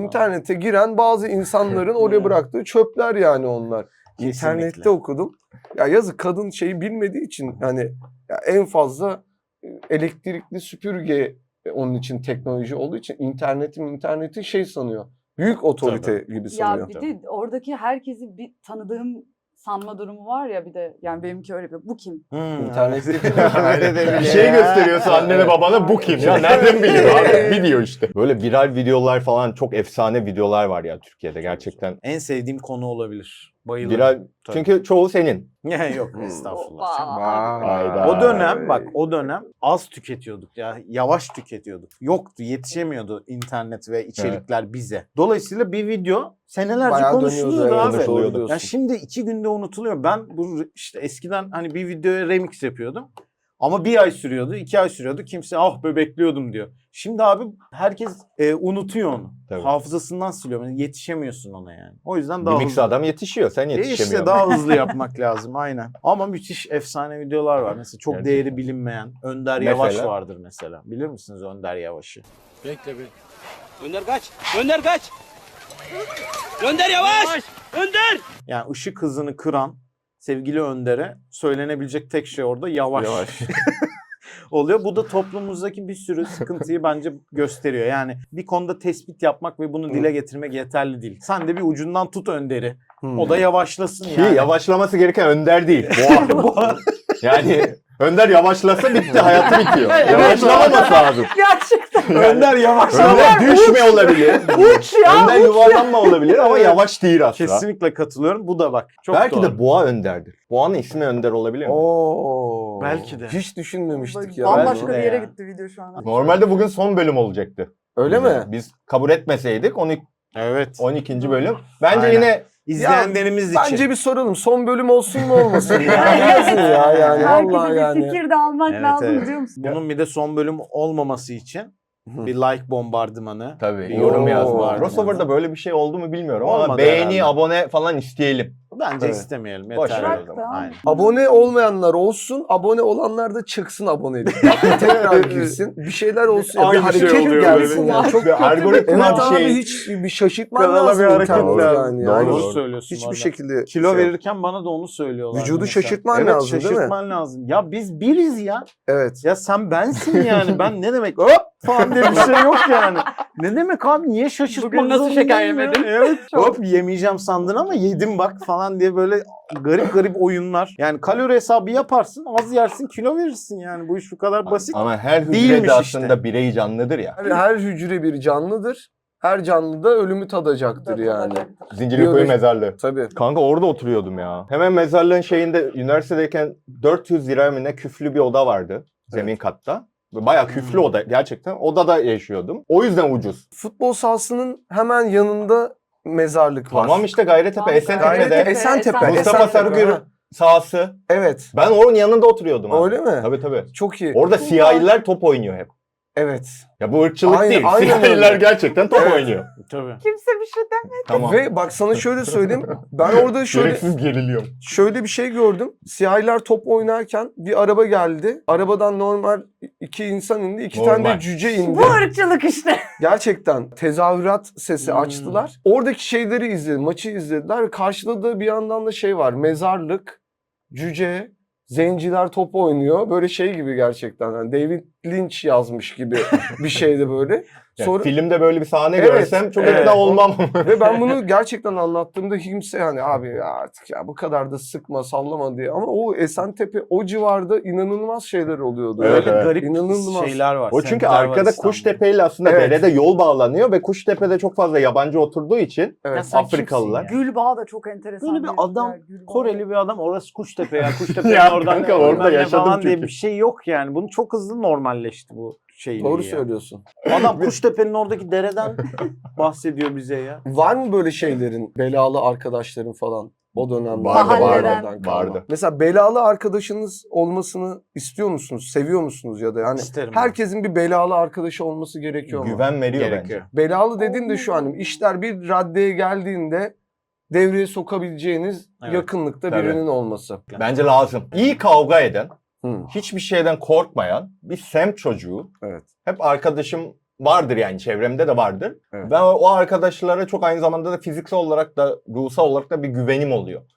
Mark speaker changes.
Speaker 1: internete giren bazı insanların oraya bıraktığı çöpler yani onlar.
Speaker 2: Kesinlikle.
Speaker 1: İnternette okudum. Ya yazık, kadın şeyi bilmediği için hani ya en fazla elektrikli süpürge onun için teknoloji olduğu için interneti şey sanıyor. Büyük otorite gibi sanıyor.
Speaker 3: Ya bir de oradaki herkesi bir tanıdığım sanma durumu var ya bir de. Yani benimki öyle bir. Bu kim?
Speaker 1: İnternette
Speaker 2: Öyle de
Speaker 4: Bir
Speaker 2: bile
Speaker 4: şey
Speaker 2: ya.
Speaker 4: gösteriyorsa annene babana bu kim ya? Nereden biliyor abi? Biliyor işte. Böyle viral videolar falan, çok efsane videolar var ya Türkiye'de gerçekten.
Speaker 2: En sevdiğim konu olabilir. Bayılırım.
Speaker 4: Viral
Speaker 2: Tabii.
Speaker 4: çünkü çoğu senin.
Speaker 2: Yok estağfurullah.
Speaker 4: Hayda.
Speaker 2: O dönem bak o dönem az tüketiyorduk ya, yavaş tüketiyorduk. Yoktu, yetişemiyordu internet ve içerikler bize. Dolayısıyla bir video senelerce
Speaker 1: Bayağı
Speaker 2: konuşuluyordu
Speaker 1: dönüyordu,
Speaker 2: abi.
Speaker 1: evet,
Speaker 4: Konuşuluyordu.
Speaker 1: doğru
Speaker 2: Ya
Speaker 1: diyorsun.
Speaker 2: şimdi 2 günde unutuluyor. Ben bu işte eskiden hani bir videoya remix yapıyordum. Ama 1 ay sürüyordu, 2 ay sürüyordu. Kimse ah be bekliyordum diyor. Şimdi abi herkes unutuyor onu.
Speaker 4: Tabii.
Speaker 2: Hafızasından siliyor. Yani yetişemiyorsun ona yani. O yüzden
Speaker 4: Bir
Speaker 2: daha
Speaker 4: mix
Speaker 2: hızlı.
Speaker 4: adam yetişiyor, sen yetişemiyorsun.
Speaker 2: İşte daha hızlı yapmak lazım aynen. Ama müthiş efsane videolar var. Mesela çok
Speaker 4: Gerçekten.
Speaker 2: değeri bilinmeyen Önder
Speaker 4: Mesela?
Speaker 2: Yavaş vardır mesela. Bilir misiniz Önder Yavaş'ı?
Speaker 5: Bekle bir. Önder kaç. Önder kaç. Önder yavaş. Önder.
Speaker 2: Yani ışık hızını kıran sevgili Önder'e söylenebilecek tek şey orada yavaş. oluyor. Bu da toplumumuzdaki bir sürü sıkıntıyı bence gösteriyor. Yani bir konuda tespit yapmak ve bunu dile getirmek yeterli değil. Sen de bir ucundan tut Önder'i. O da yavaşlasın
Speaker 4: Ki
Speaker 2: yani.
Speaker 4: yavaşlaması gereken Önder değil. Boğa. Yani Önder yavaşlasa bitti, hayatı bitiyor. Yavaşlamaması lazım.
Speaker 3: Gerçekten.
Speaker 2: Önder yavaşlama.
Speaker 4: Önder düşme olabilir.
Speaker 3: Uç ya.
Speaker 4: Önder yuvarlanma olabilir ama yavaş değil aslında.
Speaker 2: Kesinlikle katılıyorum. Bu da bak. Çok
Speaker 4: Belki
Speaker 2: doğru.
Speaker 4: de Boğa Önder'dir. Boğa'nın ismi Önder olabilir mi?
Speaker 1: Oo.
Speaker 2: Belki de.
Speaker 1: Hiç düşünmemiştik ya.
Speaker 3: Bambaşka
Speaker 2: Belki
Speaker 3: bir
Speaker 2: de
Speaker 3: yere
Speaker 2: ya.
Speaker 3: gitti video şu an.
Speaker 4: Normalde bugün son bölüm olacaktı.
Speaker 1: Öyle mi?
Speaker 4: Biz kabul etmeseydik
Speaker 2: Evet.
Speaker 4: 12. bölüm. Bence
Speaker 2: Aynen.
Speaker 4: yine
Speaker 2: İzleyenlerimiz için.
Speaker 1: Bence bir soralım. Son bölüm olsun mu olmasın? Yani yazın ya yani.
Speaker 3: Herkese
Speaker 1: Vallahi
Speaker 3: bir
Speaker 1: yani.
Speaker 3: fikir de almak
Speaker 2: Evet,
Speaker 3: lazım
Speaker 2: evet.
Speaker 3: diyor musun?
Speaker 2: Bunun bir de son bölüm olmaması için bir like bombardımanı.
Speaker 4: tabii
Speaker 2: Bir
Speaker 4: yorum
Speaker 1: Oo.
Speaker 4: yazma. Crossover'da böyle bir şey oldu mu bilmiyorum ama
Speaker 2: Olmadı
Speaker 4: beğeni,
Speaker 2: herhalde.
Speaker 4: abone falan isteyelim.
Speaker 2: Bence
Speaker 1: Evet.
Speaker 2: istemeyelim.
Speaker 4: Boş
Speaker 2: Yeter.
Speaker 4: ver
Speaker 2: o
Speaker 4: o
Speaker 2: zaman.
Speaker 3: zaman.
Speaker 2: Aynen.
Speaker 1: Abone olmayanlar olsun, abone olanlar da çıksın abonelik. Tekrar girsin. Bir şeyler olsun.
Speaker 2: Aynı
Speaker 1: bir hareket
Speaker 2: şey oluyor
Speaker 1: gelsin
Speaker 2: böyle.
Speaker 1: ya. Çok
Speaker 4: Bir algoritma
Speaker 1: evet
Speaker 4: bir
Speaker 1: abi,
Speaker 4: şey.
Speaker 1: hiç bir şaşırtman
Speaker 2: Kanala
Speaker 1: lazım
Speaker 2: bir hareket
Speaker 1: internette
Speaker 2: lazım.
Speaker 1: yani.
Speaker 4: Doğru,
Speaker 1: Yani
Speaker 2: Doğru söylüyorsun.
Speaker 1: hiçbir
Speaker 2: valla.
Speaker 1: şekilde
Speaker 2: Kilo
Speaker 1: şey-
Speaker 2: verirken bana da onu söylüyorlar.
Speaker 1: Vücudu
Speaker 2: mesela.
Speaker 1: şaşırtman
Speaker 2: evet,
Speaker 1: lazım, değil mi?
Speaker 2: şaşırtman lazım. Ya biz biriz ya.
Speaker 1: Evet.
Speaker 2: Ya sen bensin yani. Ben ne demek hop falan diye bir şey yok yani. Ne demek abi, niye şaşırtmak
Speaker 3: Bugün nasıl
Speaker 2: zorundayım
Speaker 3: şeker
Speaker 2: ya?
Speaker 3: yemedin?
Speaker 2: Evet. Hop yemeyeceğim sandın ama yedim bak falan diye böyle garip garip oyunlar. Yani kalori hesabı yaparsın, az yersin, kilo verirsin yani. Bu iş bu kadar basit.
Speaker 4: Ama her hücre
Speaker 2: Değilmiş
Speaker 4: de aslında
Speaker 2: işte.
Speaker 4: birey canlıdır ya.
Speaker 1: Her hücre bir canlıdır. Her canlı da ölümü tadacaktır yani.
Speaker 4: Zincirlikuyu
Speaker 1: Biyoloji-
Speaker 4: mezarlığı.
Speaker 1: Tabii.
Speaker 4: Kanka orada oturuyordum ya. Hemen mezarlığın şeyinde üniversitedeyken 400 lira mı ne küflü bir oda vardı. Zemin katta. Bayağı küflü oda gerçekten. Odada yaşıyordum. O yüzden ucuz.
Speaker 1: Futbol sahasının hemen yanında mezarlık var.
Speaker 4: Tamam işte Gayrettepe, Esentepe'de.
Speaker 1: Esentepe.
Speaker 4: Mustafa
Speaker 1: Esentepe.
Speaker 4: Sarıgül
Speaker 1: Ha,
Speaker 4: sahası.
Speaker 1: Evet.
Speaker 4: Ben onun yanında oturuyordum abi.
Speaker 1: Öyle mi?
Speaker 4: Tabii tabii.
Speaker 1: Çok iyi.
Speaker 4: Orada siyahiler top oynuyor hep.
Speaker 1: Evet.
Speaker 4: Ya bu ırkçılık
Speaker 1: Aynen-
Speaker 4: değil.
Speaker 1: aynen
Speaker 4: Siyahiler
Speaker 1: öyle.
Speaker 4: gerçekten top
Speaker 1: Evet.
Speaker 4: oynuyor.
Speaker 2: Tabii.
Speaker 3: Kimse bir şey demedi.
Speaker 4: Tamam.
Speaker 1: Ve bak sana şöyle söyleyeyim. Ben orada
Speaker 4: Gereksiz geriliyorum.
Speaker 1: şöyle bir şey gördüm. Siyahiler top oynarken bir araba geldi. Arabadan normal 2 insan indi. 2 tane
Speaker 4: Normal.
Speaker 1: de cüce indi.
Speaker 3: Bu ırkçılık işte.
Speaker 1: Gerçekten tezahürat sesi
Speaker 2: Hmm.
Speaker 1: açtılar. Oradaki şeyleri izledim. Maçı izlediler. Ve karşıda da bir yandan da şey var. Mezarlık, cüce, zenciler top oynuyor. Böyle şey gibi gerçekten. Yani David Lynch yazmış gibi bir şeydi böyle.
Speaker 4: Yani
Speaker 1: Sonra
Speaker 4: filmde böyle bir sahne
Speaker 1: Evet,
Speaker 4: görsem çok
Speaker 2: evet.
Speaker 4: ikna olmam.
Speaker 1: ve ben bunu gerçekten anlattığımda kimse yani abi ya artık ya bu kadar da sıkma sallama diye. Ama o Esentepe o civarda inanılmaz şeyler oluyordu.
Speaker 4: Evet,
Speaker 2: Öyle
Speaker 4: evet.
Speaker 2: garip
Speaker 1: İnanılmaz.
Speaker 2: şeyler var.
Speaker 4: O çünkü
Speaker 2: semtler var
Speaker 4: arkada
Speaker 2: İstanbul'da.
Speaker 4: Kuştepe ile aslında
Speaker 1: Evet.
Speaker 4: derede yol bağlanıyor ve Kuştepe'de çok fazla yabancı oturduğu için
Speaker 2: Ya
Speaker 1: Evet.
Speaker 2: sen
Speaker 4: Afrikalılar.
Speaker 2: kimsin ya?
Speaker 3: Gülbağ da çok enteresan.
Speaker 2: Böyle bir adam,
Speaker 3: yer, Gülbağ.
Speaker 2: Koreli bir adam, orası Kuştepe ya. Kuştepe'nin
Speaker 4: Ya
Speaker 2: oradan
Speaker 4: kanka,
Speaker 2: bilmem
Speaker 4: orada
Speaker 2: ne
Speaker 4: yaşadım
Speaker 2: falan diye
Speaker 4: çünkü.
Speaker 2: bir şey yok yani. Bunu çok hızlı normalleşti bu şey.
Speaker 1: Doğru
Speaker 2: ya.
Speaker 1: söylüyorsun.
Speaker 2: Adam Kuştepe'nin oradaki dereden bahsediyor bize ya.
Speaker 1: Var mı böyle şeylerin, belalı arkadaşların falan o dönemde?
Speaker 4: Vardı,
Speaker 3: Mahalleden.
Speaker 4: vardı.
Speaker 1: Mesela belalı arkadaşınız olmasını istiyor musunuz? Seviyor musunuz ya da yani
Speaker 2: İsterim ben.
Speaker 1: herkesin bir belalı arkadaşı olması gerekiyor mu?
Speaker 4: Güven veriyor
Speaker 2: Gerekiyor.
Speaker 4: bence.
Speaker 1: Belalı dediğim de şu an işler bir raddeye geldiğinde devreye sokabileceğiniz
Speaker 2: Evet.
Speaker 1: yakınlıkta
Speaker 4: Tabii.
Speaker 1: birinin olması.
Speaker 4: Bence lazım. İyi kavga eden,
Speaker 1: Hı.
Speaker 4: hiçbir şeyden korkmayan bir semt çocuğu.
Speaker 1: Evet.
Speaker 4: Hep arkadaşım vardır yani, çevremde de vardır.
Speaker 1: Evet.
Speaker 4: Ben o arkadaşlara çok aynı zamanda da fiziksel olarak da ruhsal olarak da bir güvenim oluyor.